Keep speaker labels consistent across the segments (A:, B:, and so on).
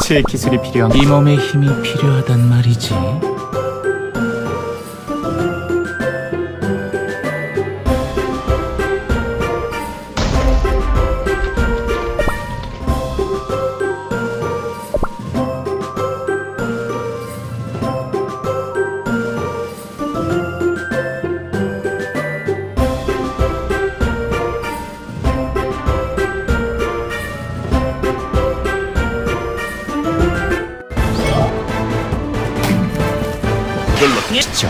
A: 특수의 기술이 필요한
B: 이 몸의 힘이 필요하단 말이지.
C: 이걸로
B: 시죠.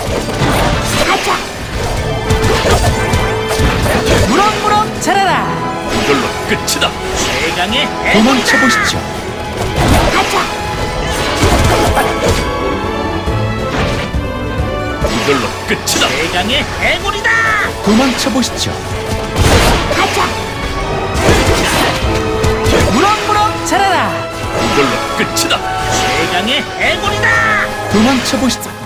D: 무럭무럭 자라라.
C: 이걸로 끝이다.
D: 최강의
B: 도망쳐 보시죠.
C: 이걸로 끝이다.
D: 최강의 해골이다.
B: 도망쳐 보시죠.
D: 무럭무럭 자라라.
C: 이걸로 끝이다.
D: 최강의 해골이다.
B: 도망쳐 보시죠.